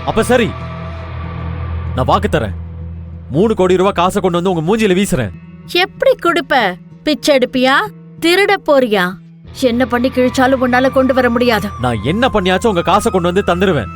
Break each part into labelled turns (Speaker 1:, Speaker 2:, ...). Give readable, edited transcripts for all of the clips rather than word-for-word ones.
Speaker 1: அப்ப சரி, நான் வாக்கு தரேன். 3 கோடி ரூபாய் காசை கொண்டு வந்து உங்க மூஞ்சில வீசுறேன்.
Speaker 2: எப்படி குடுப்ப? பிச்சை எடுப்பியா? திருட போறியா? என்ன பண்ணி கிழிச்சாலும் உன்னால கொண்டு வர முடியாது.
Speaker 1: நான் என்ன பண்ணியாச்சும் உங்க காசை கொண்டு வந்து தந்துருவேன்.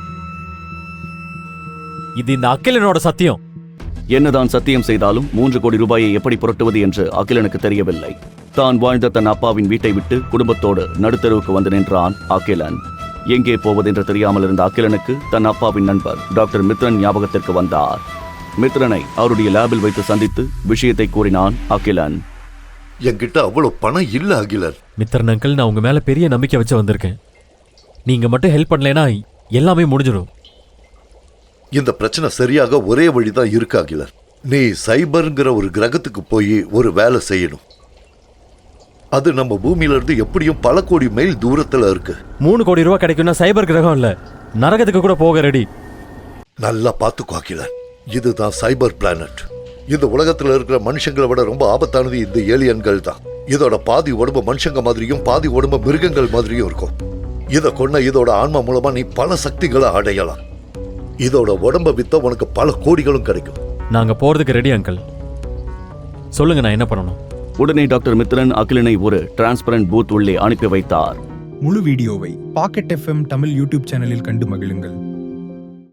Speaker 1: இது இந்த அகிலனோட சத்தியம்.
Speaker 3: என்னதான் சத்தியம் செய்தாலும் 3 கோடி ரூபாயை எப்படி புரட்டுவது என்று அகிலனுக்கு தெரியவில்லை. தான் வாழ்ந்த தன் அப்பாவின் வீட்டை விட்டு குடும்பத்தோடு நடுத்தருவுக்கு வந்து நின்றான் அகிலன். எங்கே போவதென்று தெரியாமல் இருந்த அகிலனுக்கு தன் அப்பாவின் நண்பர் டாக்டர் மித்ரன் ஞாபகத்திற்கு வந்தார். மித்ரனை அவருடைய லேபில் வைத்து சந்தித்து விஷயத்தை கூறினான் அகிலன்.
Speaker 4: என்கிட்ட அவ்வளவு பணம் இல்ல அகிலன்.
Speaker 1: மித்ரன் அங்கிள், நான் உங்க மேல பெரிய நம்பிக்கை வச்சு வந்திருக்கேன். நீங்க மட்டும் ஹெல்ப் பண்ணலைன்னா எல்லாமே முடிஞ்சிடும்.
Speaker 4: இந்த பிரச்சனை சரியாக ஒரே வழிதான் இருக்கு அகிலன். நீ சைபர்ங்கிற ஒரு கிரகத்துக்கு போய் ஒரு வேலை செய்யணும். அது நம்ம பூமியில இருந்து எப்படியும் பல கோடி மைல் தூரத்துல இருக்கு.
Speaker 1: 3 கோடி ரூபாய் கிடைக்கும்னா சைபர் கிரகம் இல்ல, நரகத்துக்கு கூட போக ரெடி.
Speaker 4: நல்லா பாத்துக்கோ அகிலன், இதுதான் சைபர் பிளானட். இந்த உலகத்துல இருக்கிற மனுஷங்களை விட ரொம்ப ஆபத்தானது இந்த ஏலியன்கள் தான். இதோட பாதி உடம்பு மனுஷங்க மாதிரியும் பாதி உடம்பு மிருகங்கள் மாதிரியும் இருக்கும். இதை கொண்ட இதோட ஆன்மா மூலமா நீ பல சக்திகளை அடையலாம். இதோட உடம்ப வித்த உனக்கு பல கோடிகளும் கிடைக்கும்.
Speaker 1: நாங்க போறதுக்கு ரெடி அங்கிள். சொல்லுங்க, நான் என்ன பண்ணணும்?
Speaker 3: உடனே டாக்டர் மித்ரன் அகிலனை ஒரு டிரான்ஸ்பரண்ட் பூத் உள்ளே அனுப்பி வைத்தார்.
Speaker 5: முழு வீடியோவை பாக்கெட் FM தமிழ் யூடியூப் சேனலில் கண்டு மகிழுங்கள்.